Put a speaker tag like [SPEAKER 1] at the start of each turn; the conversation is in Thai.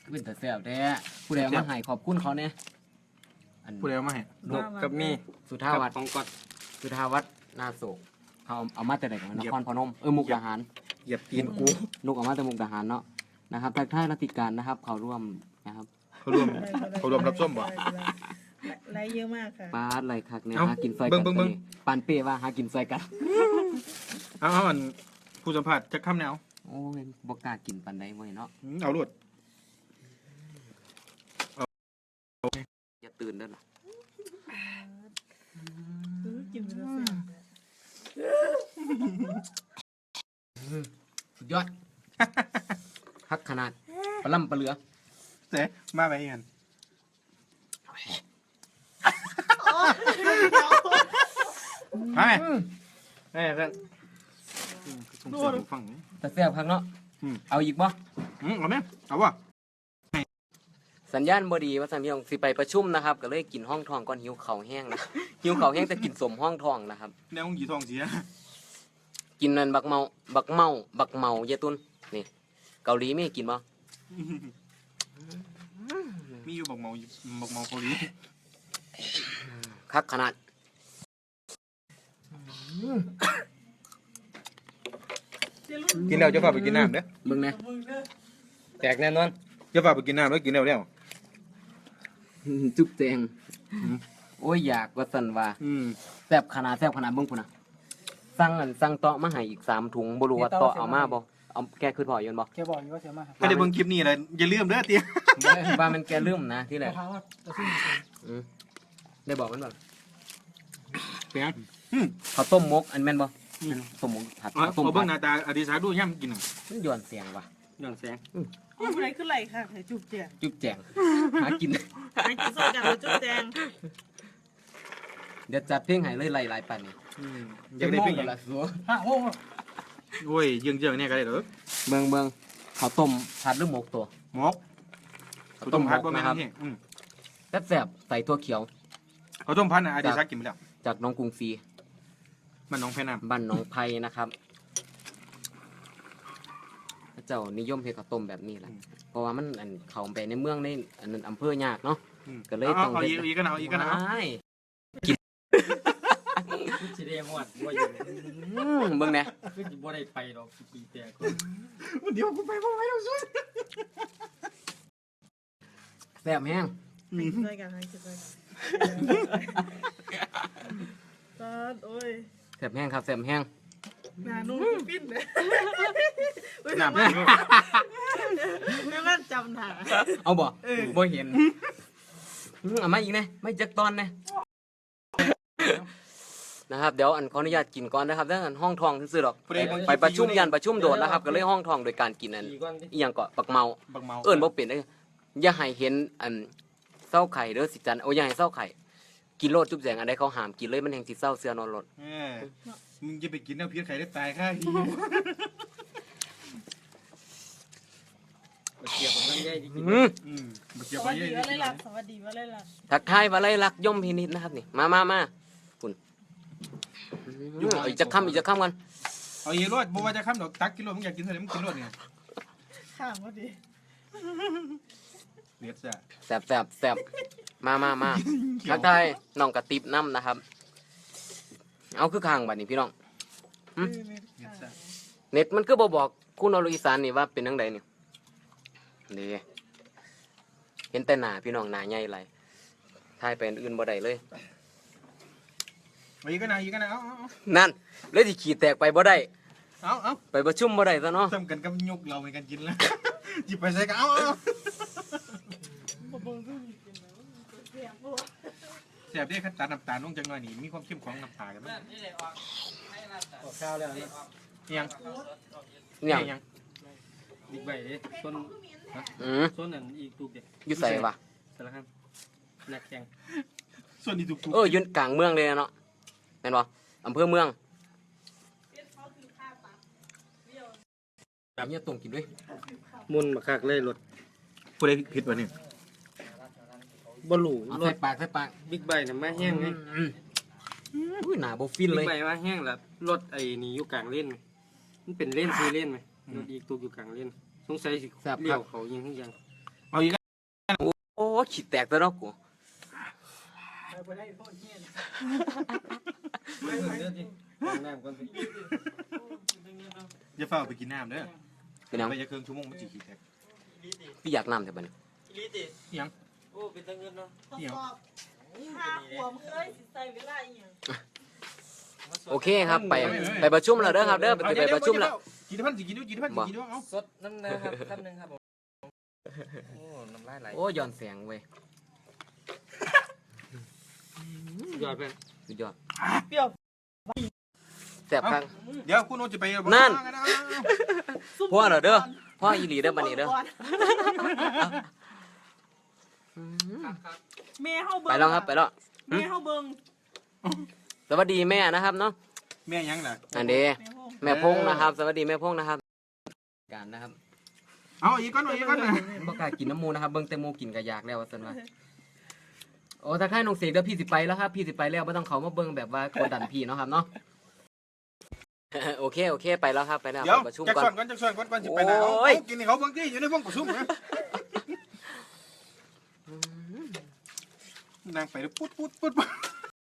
[SPEAKER 1] เป็นแต่แซ่บแท้ผู้ใดเอามาให้ขอบคุณเขาเนี่ยอัน
[SPEAKER 2] ผู้ใดเอามาให้
[SPEAKER 3] นกกับมี
[SPEAKER 1] สุธาวัฒน์
[SPEAKER 3] ของกอด
[SPEAKER 1] สุธาวัฒน์นาโศกเขาเอามาแต่ไหนกันนครพนมมุกดาหาร
[SPEAKER 2] เหยียบตีนกู
[SPEAKER 1] ลูกเอามาแต่มุกดาหารเนาะนะครับทักทายรัติการนะครับเขาร่วมนะครับ
[SPEAKER 2] เขารวมรับส้มบ่
[SPEAKER 4] ไลค์เยอะมากค่ะ
[SPEAKER 1] ปาดไรคักเนี่ย
[SPEAKER 2] เอ้า
[SPEAKER 1] หากินซอย
[SPEAKER 2] เบิ่
[SPEAKER 1] กัน
[SPEAKER 2] งเบิ่ง
[SPEAKER 1] ตัวนี้ปานเป้ว่าหากินซอยกัน
[SPEAKER 2] เอาอันผู้สัมผัสจะข้ามแนว
[SPEAKER 1] โอ้ยบกล้ากินปานใดเว้ยเนาะ
[SPEAKER 2] เอาลวด
[SPEAKER 1] อย่าตื่นเด้อล่ะ
[SPEAKER 4] กินไปแล้วแซ่บ
[SPEAKER 1] สุดยอด ฮักขนาดปลาล่ำปลาเหลือ
[SPEAKER 2] เสมาไปกันมาไหมเพื่อนส่งเสียงฟังนี่
[SPEAKER 1] แต่แซ่บคักเนาะ
[SPEAKER 2] อืม
[SPEAKER 1] เอาอีกบ่
[SPEAKER 2] เอาไหมเอาวะ
[SPEAKER 1] สัญญาณบ่ดีว่าสันพี่น้องสิไปประชุมนะครับ ก็เลยกินห้องทองก่อนหิวเข่าวแห้งนะ หิวเข่าวแห้งแต่กินสมห้องทองนะครับ
[SPEAKER 2] แนวหยีทองเสีย
[SPEAKER 1] กินนั่นบักเมาเยตุนนี่ เกาหลีไม่ให้กินบ่
[SPEAKER 2] มีอยู่บอกเมาเกาหลี
[SPEAKER 1] คักขนาด
[SPEAKER 2] กินแล้วจะพาไปกินน้ำเด้อ
[SPEAKER 1] เบิ่งแหน่
[SPEAKER 3] แตกแน่นอน
[SPEAKER 2] จะพาไปกินน้ำแล้วกินแล้ว
[SPEAKER 1] จุ๊บแจง
[SPEAKER 2] อืม
[SPEAKER 1] โอ้ยอยากว่าสันว่า
[SPEAKER 2] อืม
[SPEAKER 1] แซ่บขนาดเบิ่งพุ่นน่ะสั่งเตาะมาให้อีก3ถุงบ่รู้ว่าเตาะเอามาบ่เอาแกคือพออยู่บ่
[SPEAKER 5] แกบอกอยู่ว่าเสียมากครับ
[SPEAKER 2] ไม่ได้เบิ่งคลิปนี้เลยอย่าลืมเด้อเตี้ย
[SPEAKER 1] ว่ามันแกลืมนะที่แรก
[SPEAKER 5] ถามว่าจะซื้อ
[SPEAKER 1] ได้บอกมันบ่
[SPEAKER 2] เป็นไง
[SPEAKER 1] ข้าวต้มมกอันแม่นบ่ต้มมกผัด
[SPEAKER 2] เอา
[SPEAKER 1] ข้าวต้ม
[SPEAKER 2] เบิ่
[SPEAKER 1] ผั
[SPEAKER 2] ง
[SPEAKER 1] ด
[SPEAKER 2] หน้าตาอดีศักดิ์ดูย่ำกินน่ะ
[SPEAKER 1] มันย้อนเสียงว่ะ
[SPEAKER 3] ย้อนแสง
[SPEAKER 4] เอาอะไรขึ้นไหลค่ะให้จุบแจง
[SPEAKER 1] จุ๊บแจงหากิน
[SPEAKER 4] ให้กินสดกันแล้วจุบแจง
[SPEAKER 1] เดี๋ยวจัดเพลงให้เลยหลายๆปันนี่
[SPEAKER 2] อยากได้เป็น
[SPEAKER 1] จั
[SPEAKER 2] ยัง
[SPEAKER 1] ละสัว
[SPEAKER 5] โอ้โห
[SPEAKER 2] โอ้ยเยื่องๆเนี่ยก็ได้เด้อ
[SPEAKER 1] เบิ่งข้าวต้มผัดหรือหมกตัว
[SPEAKER 2] หมกข้าวต้มพัดบ่แม่น
[SPEAKER 1] นะครับ
[SPEAKER 2] นี่อืม
[SPEAKER 1] แซ่บๆใส่ถั่วเขียว
[SPEAKER 2] ข้าวต้มพัดน่ะอดีศักดิ์กินไปแล้ว
[SPEAKER 1] จากน้องกรุงศรี
[SPEAKER 2] มันน้องแพน้ำ
[SPEAKER 1] บ้านหน้องไผ่นะครับพระเจ้านิยมเฮ็ดข้าวต้มแบบนี้แหละเพราะว่ามันอันเข้าไปในเมืองในอันนั้นอำเภอยากเนาะ ก็เลยต้อง
[SPEAKER 2] เอาอีกกันเอาอีกกันเอา
[SPEAKER 1] ว้าย
[SPEAKER 3] สิได้หมดบ่อยู่
[SPEAKER 1] เบิ่งแหน่
[SPEAKER 3] คือสิบ่ได้ไปดอกปีแตก
[SPEAKER 2] เดี๋ยวกูไปบ่ไหวแล้วซุ
[SPEAKER 1] แซ่บแห้ง
[SPEAKER 4] ให้กินสดกันให้กินสดกันซอสโอ้ย
[SPEAKER 1] แซ่บแห้งครับแซ่บแห้ง
[SPEAKER 4] หนานุ่มปิ้นเลย
[SPEAKER 2] น้ำ
[SPEAKER 4] แม่แม่จำหนา
[SPEAKER 1] เอาบ่บ่เห็นเอามาอีกแน่ไม่จักตอนแน่นะครับเดี๋ยวอันขออนุญาตกินก่อนนะครับแล้วอันห้องทองซื่อๆดอกไปประชุมยันประชุมโดดนะครับ ก็เลยห้องทองโดยการกินอัน
[SPEAKER 3] ปีก่อนดิ
[SPEAKER 1] อีหยังก็ปักเมา
[SPEAKER 2] บักเมา
[SPEAKER 1] เอิ้นบ่เป็นเด้ออย่าให้เห็นอันเศร้าไข่เด้อสิจันโอ้ยอย่าให้เศร้าไข่กินโลดจุ๊บแจงอันใดเขาห้ามกินเลยมันแห่งสิเศร้าเสือนอนรถ
[SPEAKER 2] มึงจะไปกินน้ำพิษไข่ได้ตายค่าที
[SPEAKER 3] บ่เกี่ยวกับน้ำใหญ่ที่กิน
[SPEAKER 2] บัก
[SPEAKER 4] ส
[SPEAKER 2] เกี่ยวไป
[SPEAKER 4] วัส
[SPEAKER 2] เย
[SPEAKER 4] ดี
[SPEAKER 2] อะ
[SPEAKER 4] ว่าเลยล่ะสวัสดีว่าเลยล่ะ
[SPEAKER 1] ทักทายว่าไรลักย่อมพินิจนะครับนี่มาคุณอีกจะค้ำกัน
[SPEAKER 2] เอาอีรวดบ่ว่าจะข้ามดอกตักกิโลมึงอยากกินเท่าไหร่มึงกินรวดเนี่ย
[SPEAKER 4] ข้างพอดี
[SPEAKER 2] เด็ดจ้ะ
[SPEAKER 1] แซ่บมาทักทายน้องกระติบน้ำนะครับ เอาคือข้างบัดนี้พี่น้อง
[SPEAKER 2] เด็ดจ้ะ
[SPEAKER 1] เน็ตมันคือบ่บอกคุณอรุอีสานนี่ว่าเป็นจังไดนี่นี่เห็นแต่หน้าพี่น้องหน้าใหญ่ไรทายไปอันอื่นบ่ได้เลย
[SPEAKER 2] เอาอีกกันเอาอีกกันเอา
[SPEAKER 1] นั่นเลยที่ขี่แตกไปบ่ได้
[SPEAKER 2] เอา
[SPEAKER 1] ไปประชุมบ่ได้ซะเนาะ
[SPEAKER 2] ทำกันกับยกเราในการกินแล้วหยิบไปใส่กันเอา
[SPEAKER 4] บ่เบิ่งสู้นี่กินแล้วเสียงบ่
[SPEAKER 2] แสบได้ขั้นตาน้ำตาลลงจังหน่อยนี่มีความเข้มของน้ำตากันมั้ย
[SPEAKER 3] ออกข้าวแล้วนะ
[SPEAKER 2] ยัง
[SPEAKER 1] เนี่ย
[SPEAKER 2] ยัง
[SPEAKER 3] บิ๊กไบค์เด้ต้น ต้นนั้นอีกตุกเด้
[SPEAKER 1] อยู่ใส่วะ
[SPEAKER 3] สารคามนักแข่ง
[SPEAKER 2] ส่วนนี้ถูก
[SPEAKER 1] อยู่กลางเมืองเลยเนาะแม่นบ่อำเภอเมืองแบบนี้ตรงกินด้วย
[SPEAKER 3] มุนบักคักเลยรถ
[SPEAKER 2] ผู้ใดผิดวะเนี่ย
[SPEAKER 3] บ่รู้
[SPEAKER 1] เอา
[SPEAKER 3] ร
[SPEAKER 1] ใส่
[SPEAKER 3] ถ
[SPEAKER 1] ปากใส่ปาก
[SPEAKER 3] บิ๊กไบค์น่ะมาแห้งไง
[SPEAKER 1] อุ้ยหนาบ่ฟิน
[SPEAKER 3] บิ๊
[SPEAKER 1] เล
[SPEAKER 3] ก
[SPEAKER 1] ย
[SPEAKER 3] ไบค์มาแห้งแล้วรถไอ้นี่อยู่กลางเลนไหมมันเป็นเลน4 เลนไหมรถอีกตุกอยู่กลางเลนสงสัยสิเลี้ยวเขายิงทุกอย่าง
[SPEAKER 2] เอเอาอีก
[SPEAKER 1] โอ้ขีดแตกตัวเนาะกู
[SPEAKER 3] ไปได้พ่อเฮียนไม่เหมือนเดิมจริงน้ำก่อนสิ
[SPEAKER 2] อย่าเฝ้าไปกินน้ำเด้อ
[SPEAKER 1] เป็นหยัง
[SPEAKER 2] ไปจะเครื่องชั่วโมงมันจีขี้แตก
[SPEAKER 1] พี่อยากน้ำแต่บัดนี้
[SPEAKER 2] ยัง
[SPEAKER 3] โอ้เป็นตะเงินเนาะ
[SPEAKER 4] ทดสอบห้าขวบเอ้ยสิใส่เวลาอีหยัง
[SPEAKER 1] โอเคครับไปประชุมแล้วเด้อครับเด้อไปประชุมแล้ว
[SPEAKER 2] กี่พันสิกินด้วยกี่พันสิกินด้วยเอา
[SPEAKER 3] สดน้ำนะครับคำหนึ่งครับผมโอ้น้ำลายไหล
[SPEAKER 1] โอ้ย้อนแสงเว้ย
[SPEAKER 3] ยอดเป็น
[SPEAKER 1] สุดยอด
[SPEAKER 4] เปรี้ยว
[SPEAKER 1] แซ่บครับ
[SPEAKER 2] เดี๋ยวคุณโอจะไป
[SPEAKER 1] นั่น
[SPEAKER 4] ซุ่ม
[SPEAKER 1] พ่อเหรอเด้อพ่ออีหลีเด้อบัดนี้เด้อ
[SPEAKER 4] แม่เฮาเบิ่ง
[SPEAKER 1] ไปแล้วครับไปแล้ว
[SPEAKER 4] แม่เฮาเบิ่ง
[SPEAKER 1] สวัสดีแม่นะครับเนาะ
[SPEAKER 2] แม่ยังล่ะ
[SPEAKER 1] อันเด
[SPEAKER 4] แม่เฮา
[SPEAKER 1] แม่พงนะครับ สวัสดีแม่พงนะครับการนะครับ
[SPEAKER 2] เอาอีกก้อนอีกก้อน
[SPEAKER 1] บ่กล้ากินน้ำมูนะครับเบิ่งแต่หมูกินก็อยากแล้วว่าซั่นว่าโอ้ถ้าค่ายน้องเสกเด้อพี่สิไปแล้วครับพี่สิไปแล้วบ่ต้องเข้ามาเบิ่งแบบว่ากดดันพี่เนาะครับเนาะ โอเคไปแล้วครับไปแล้ว
[SPEAKER 2] เดี๋ยว
[SPEAKER 1] ประชุม
[SPEAKER 2] จัก
[SPEAKER 1] ก่อน
[SPEAKER 2] ส่วนก่อนสิไปไหนเอา
[SPEAKER 1] โอ้ย
[SPEAKER 2] กินให้เขาบางทีอยู่ในห้องประชุมนะนั่งไปแล้วปุ๊ด